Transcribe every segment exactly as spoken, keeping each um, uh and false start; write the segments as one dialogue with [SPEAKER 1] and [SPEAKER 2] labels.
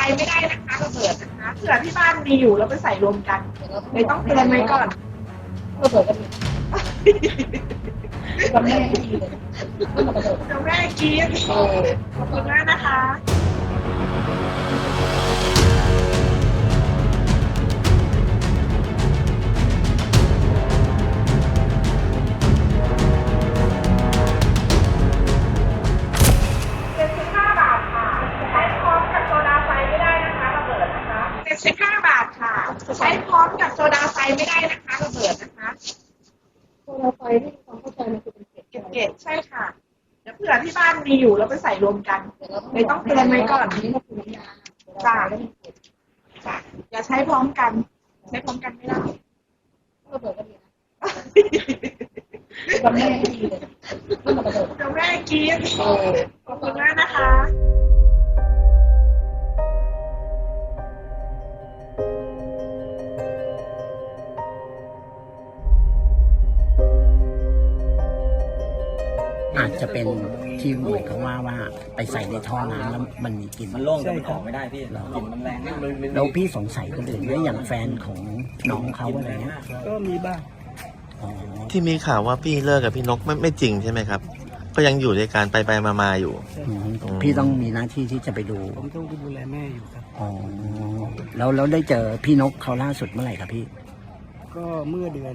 [SPEAKER 1] ไม่ได้นะคะระเบิดนะคะเผื่อที่บ้านมีอยู่แล้วไปใส่รวมกันเลยต้องเตือนไว้ก่อน
[SPEAKER 2] ระเบิดกันกับแม่ดีเลย
[SPEAKER 1] เดี๋ยวแม่กินขอบคุณมากนะคะสิบห้าบาทค่ะใช้พร้อมกับโซดาไฟไม่ได้นะคะระเบิดนะคะ
[SPEAKER 2] โซดาไฟที่ความเข้าใจมันคือเป็นเกล็ด
[SPEAKER 1] เก็บเกล็ดใช่ค่ะเดี๋ยวเผื่อที่บ้านมีอยู่แล้วไปใส่รวมกันเลยต้องเตือนไว้ก่อน
[SPEAKER 2] นี่ก็คือน้ำยา
[SPEAKER 1] จ้าจ้าอย่าใช้พร้อมกันใช้พร้อมกันไม่ได้
[SPEAKER 2] ระเบิดกันดีนะกับแม่ดีเลย
[SPEAKER 1] เดี๋ยวแม่กินขอบคุณมากนะคะ
[SPEAKER 3] อาจจะเป็นที่เหมือนเขาว่าว่าไปใส่ในท่อน้ำแล้วมันมีกลิ่น
[SPEAKER 4] มันโล่งแต่มันออกไม่ได้พี่กลิ่นมันแรง
[SPEAKER 3] แล้วพี่สงสัยคนอื่นไหมอย่างแฟนของน้องเขาอะไรเงี้ย
[SPEAKER 4] ก็มีบ้าง
[SPEAKER 5] ที่มีข่าวว่าพี่เลิกกับพี่นกไม่ไม่จริงใช่ไหมครับก็ยังอยู่ด้วยกันไปไปมามาอยู่
[SPEAKER 3] พี่ต้องมีหน้าที่ที่จะไปดู
[SPEAKER 4] ผมต้องดูแลแม่อยู่ครับ
[SPEAKER 3] อ๋อแล้วแล้วได้เจอพี่นกเขาล่าสุดเมื่อไหร่ครับพี่
[SPEAKER 4] ก็เมื่อเดือน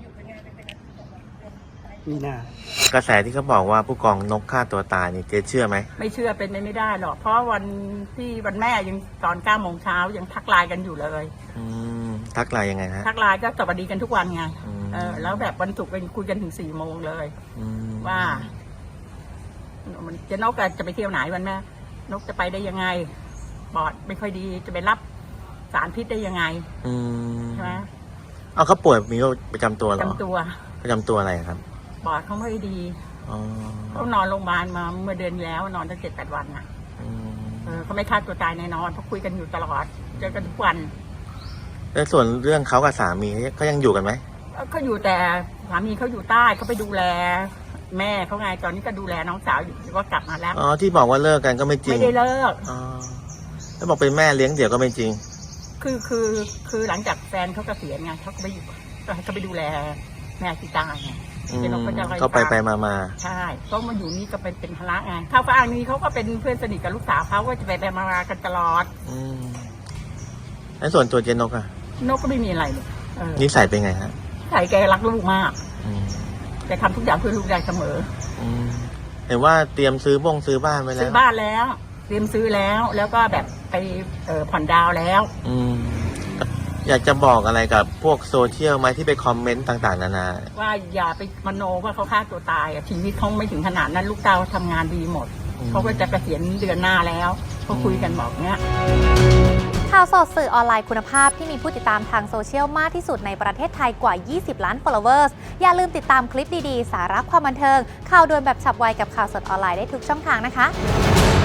[SPEAKER 4] มีน
[SPEAKER 5] ากระแสที่เขาบอกว่าผู้กองนกฆ่าตัวตายนี่เจ๊เชื่อไหม
[SPEAKER 6] ไม่เชื่อเป็นไปไม่ได้หรอกเพราะวันที่วันแม่ยังตอนเก้าโมงเช้ายังทักไลน์กันอยู่เลย
[SPEAKER 5] อืมทักไลน์ยังไงฮะ
[SPEAKER 6] ทักไลน์ก็สวัสดีกันทุกวันไงเออแล้วแบบวันศุกร์เป็นคุยกันถึงสี่โมงเลยว่ามันจะนกจะไปเที่ยวไหนวันแม่นกจะไปได้ยังไงปอดไม่ค่อยดีจะไปรับสารพิษได้ยังไงใช่ไหม
[SPEAKER 5] เอาเขาป่วยมีโรคประจำตัวหรอ
[SPEAKER 6] ประจำตัว
[SPEAKER 5] ประจำตัวอะไรครับ
[SPEAKER 6] ปอดเขาไม่ดีเขานอนโรงพยาบาลมาเมื่อเดือนแล้วนอนตั้งเจ็ดแปดวันอ่ะเขาไม่ฆ่าตัวตายแน่นอนเพราะคุยกันอยู่ตลอดเจอกันทุกวัน
[SPEAKER 5] แล้วส่วนเรื่องเขากับสามีเขายังอยู่กันไหม
[SPEAKER 6] เขาอยู่แต่สามีเขาอยู่ใต้เขาไปดูแลแม่เขาไงตอนนี้ก็ดูแลน้องสาวอยู่ก็กลับมาแล้ว
[SPEAKER 5] อ๋อที่บอกว่าเลิกกันก็ไม่จริง
[SPEAKER 6] ไม่ได้เลิก
[SPEAKER 5] อ๋อแล้วบอกเป็นแม่เลี้ยงเดี่ยวก็ไม่จริง
[SPEAKER 6] คือคือคือหลังจากแฟนเขาเกษียณไงเขาก็ไปอยู่ก็ให้เขาไปดูแลแม่ที่ตายไง
[SPEAKER 5] ก็ไปไปมามา
[SPEAKER 6] ใช่ก็มาอยู่นี่ก็เป็นเป็นภาระไงเขาก็อ้างนี้เขาก็เป็นเพื่อนสนิทกับลูกสาวเขาก็จะไปไปมากันตลอด
[SPEAKER 5] อืมแล้วส่วนตัวเจนกอะ
[SPEAKER 6] นกก็ไม่มีอะไรเลย
[SPEAKER 5] นิสัยเป็นไงฮะ
[SPEAKER 6] ใส่แกรักลูกมากแกทำทุกอย่างเพื่อลูกได้เสมอ
[SPEAKER 5] เห็นว่าเตรียมซื้อบ้งซื้อบ้านไว้แล้ว
[SPEAKER 6] ซื้อบ้านแล้วเตรียมซื้อแล้วแล้วก็แบบไปผ่อนดาวแล้ว
[SPEAKER 5] อืมอยากจะบอกอะไรกับพวกโซเชียลไหมที่ไปคอมเมนต์ต่างๆนานา
[SPEAKER 6] ว่าอย่าไปมโนว่าเขาฆ่าตัวตายชีวิตเขาไม่ถึงขนาดนั้นลูกเต้าทำงานดีหมดเขาก็จะเกษียณเดือนหน้าแล้วเขาคุยกันบอกเนี้ย
[SPEAKER 7] ข่าวสดสื่อออนไลน์คุณภาพที่มีผู้ติดตามทางโซเชียลมากที่สุดในประเทศไทยกว่ายี่สิบล้าน followers อย่าลืมติดตามคลิปดีๆสาระความบันเทิงข่าวด่วนแบบฉับไวกับข่าวสดออนไลน์ได้ทุกช่องทางนะคะ